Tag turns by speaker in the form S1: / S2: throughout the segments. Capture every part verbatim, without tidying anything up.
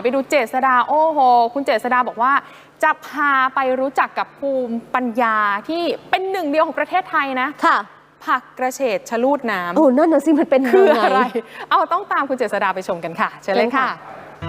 S1: ไปดูเจษฎาโอ้โหคุณเจษฎาบอกว่าจะพาไปรู้จักกับภูมิปัญญาที่เป็นหนึ่งเดียวของประเทศไทยนะค่ะผักกระเฉดชะลูดน้ำ
S2: โอ้นั่นน่ะสิมันเป็น
S1: คืออะไรเอาต้องตามคุณเจษฎาไปชมกันค่ะเชิญเลยค่ะ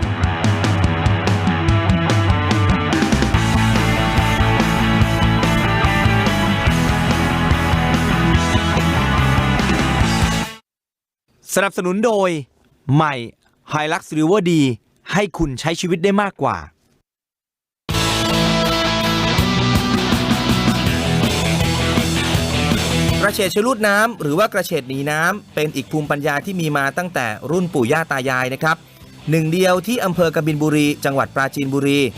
S3: สนับสนุนโดยใหม่ Hilux River D ให้คุณใช้ชีวิตได้มากกว่ากระเฉดชะลูดน้ำหรือว่ากระเฉดหนีน้ำเป็นอีกภูมิปัญญาที่มีมาตั้งแต่รุ่นปู่ย่าตายายนะครับหนึ่งเดียวที่อำเภอกบินบุรีจังหวัดปราจีนบุรี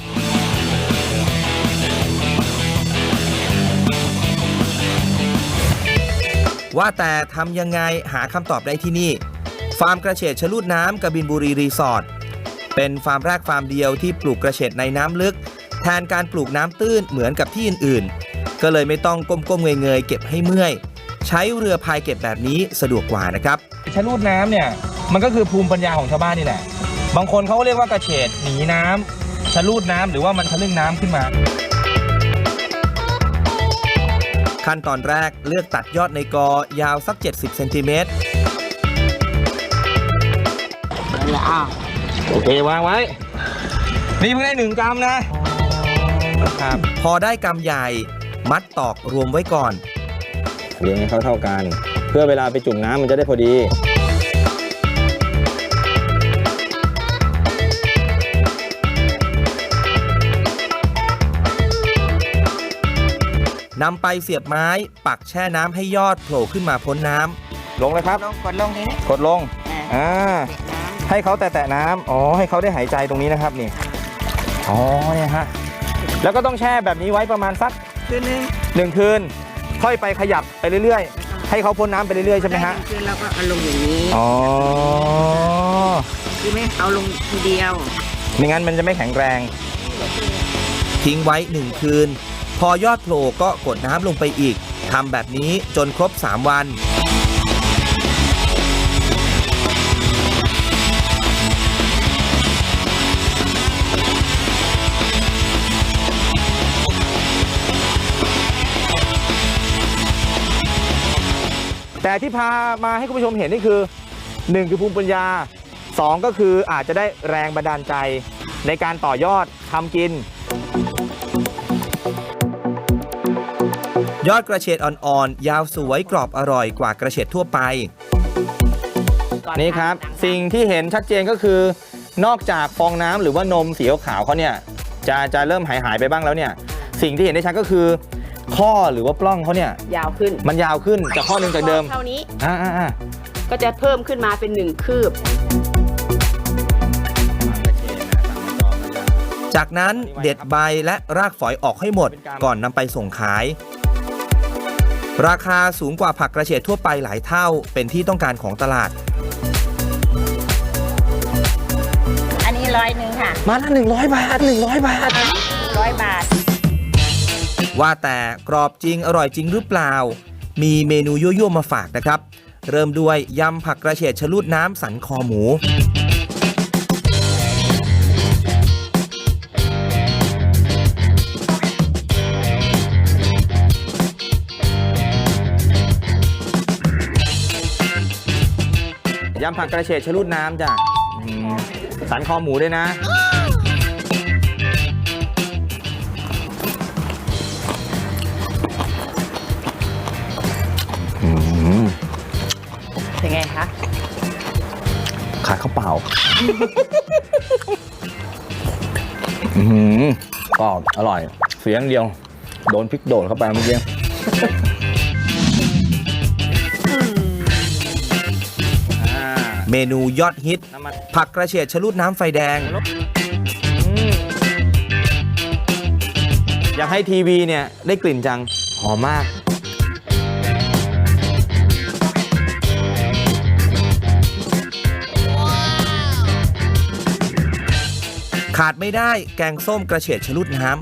S3: ว่าแต่ทำยังไงหาคำตอบได้ที่นี่ฟาร์มกระเฉดชะลูดน้ำกบินบุรีรีสอร์ทเป็นฟาร์มแรกฟาร์มเดียวที่ปลูกกระเฉดในน้ำลึกแทนการปลูกน้ำตื้นเหมือนกับที่อื่นๆก็เลยไม่ต้องก้มๆเงยๆเก็บให้เมื่อยใช้เรือพายเก็บแบบนี้สะดวกกว่านะครับ
S4: ชะลูดน้ำเนี่ยมันก็คือภูมิปัญญาของชาวบ้านนี่แหละบางคนเขาเรียกว่ากระเฉดหนีน้ำชะลูดน้ำหรือว่ามันทะลึ่งน้ำขึ้นมา
S3: ขั้นตอนแรกเลือกตัดยอดในกอยาวสักเจ็ดสิบเซนติเมตร
S4: โอเควางไว้นี่เพิ่งได้หนึ่งกรัมนะครับ
S3: พอได้กรัมใหญ่มัดตอกรวมไว้ก่อน
S4: เลี้ยงให้เขาเท่ากันเพื่อเวลาไปจุ่มน้ำมันจะได้พอดี
S3: นำไปเสียบไม้ปักแช่น้ำให้ยอดโผล่ขึ้นมาพ้นน้
S4: ำลงเลยครับ
S5: กดลงทีนี้
S4: กดลงอ่าให้เขาแตะน้ำอ๋อให้เขาได้หายใจตรงนี้นะครับนี่อ๋อเนี่ยฮะแล้วก็ต้องแช่แบบนี้ไว้ประมาณสัก
S5: คืนนึง
S4: หนึ่งคืนค่อยไปขยับไปเรื่อยๆให้เขาพ้นน้ำไปเรื่อยๆใช่ไหมฮะ
S5: คืนเราก็เอาลงอย่างนี้
S4: อ๋อ
S5: คือไม่เอาลงทีเดียว
S4: ไม่งั้นมันจะไม่แข็งแรง
S3: ทิ้งไว้หนึ่งคืนพอยอดโผล่ก็กดน้ำลงไปอีกทำแบบนี้จนครบสามวัน
S4: แต่ที่พามาให้คุณผู้ชมเห็นนี่คือหนึ่งคือภูมิปัญญาสองก็คืออาจจะได้แรงบันดาลใจในการต่อยอดทำกิน
S3: ยอดกระเฉดอ่อนๆยาวสวยกรอบอร่อยกว่ากระเฉดทั่วไป
S4: นี่ครับสิ่งที่เห็นชัดเจนก็คือนอกจากฟองน้ำหรือว่านมสีขาวเขาเนี่ยจะจะเริ่มหายหายไปบ้างแล้วเนี่ยสิ่งที่เห็นได้ชัดก็คือข้อหรือว่าปล้องเขาเนี่ย
S5: ยาวขึ้น
S4: มันยาวขึ้นจากข้อหนึ่งจากเดิม
S5: เท่านี้
S4: อ่า
S5: ก็จะเพิ่มขึ้นมาเป็นหนึ่งคืบ
S3: จากนั้นเด็ดใบและรากฝอยออกให้หมดก่อนนำไปส่งขายราคาสูงกว่าผักกระเฉดทั่วไปหลายเท่าเป็นที่ต้องการของตลาด
S5: อันนี้ร้อยหนึ่งค่ะ
S4: มาละหนึ่งร้อยบาทหนึ่งร้อยบาท
S5: ร้อยบาท
S3: ว่าแต่กรอบจริงอร่อยจริงหรือเปล่ามีเมนูยั่วๆมาฝากนะครับเริ่มด้วยยำผักกระเฉดชะลูดน้ำสันคอหมู
S4: ยำผักกระเฉดชะลูดน้ำจ้ะสันคอหมูด้วยนะ
S5: เป็นไงคะ
S4: ขาดข้าวเปล่าก็อร่อยเสียงเดียวโดนพริกโดดเข้าไปเมื่อกี้
S3: เมนูยอดฮิตผักกระเฉดชะลูดน้ำไฟแดง
S4: อยากให้ทีวีเนี่ยได้กลิ่นจังหอมมาก
S3: ขาดไม่ได้แกงส้มกระเฉดชะลูดน้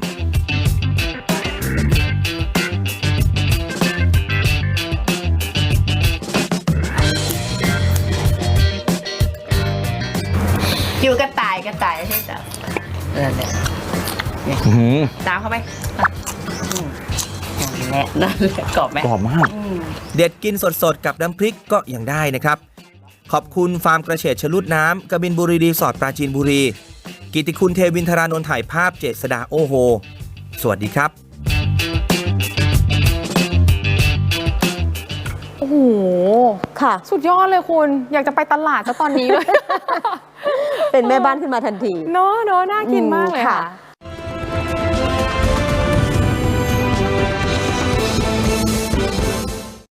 S5: ำอยู่กระต่ายกระต่ายใช่ไหมนั่นแหละ
S4: อื้อหือ
S5: ตามเข้าไปอ่ะอืมนั่นแหละนั่นแหละกรอบไหม
S4: กรอบมาก
S5: อืม
S3: เด็ดกินสดๆ กับน้ำพริกก็ยังได้นะครับ ขอบคุณฟาร์มกระเฉดชะลูดน้ำกบินบุรีรีสอร์ทปราจีนบุรี กิติคุณเทวินทรานนท์ถ่ายภาพเจษดาโอโฮ สวัสดีครับ
S1: โอ้โห
S2: ค่ะ
S1: สุดยอดเลยคุณ อยากจะไปตลาดซะตอนนี้เลย
S2: เป็นแม่บ้านขึ้นมาทันที
S1: เนอะเนอะน่ากินมากเลย
S2: อืมค่ะ
S1: ค่ะ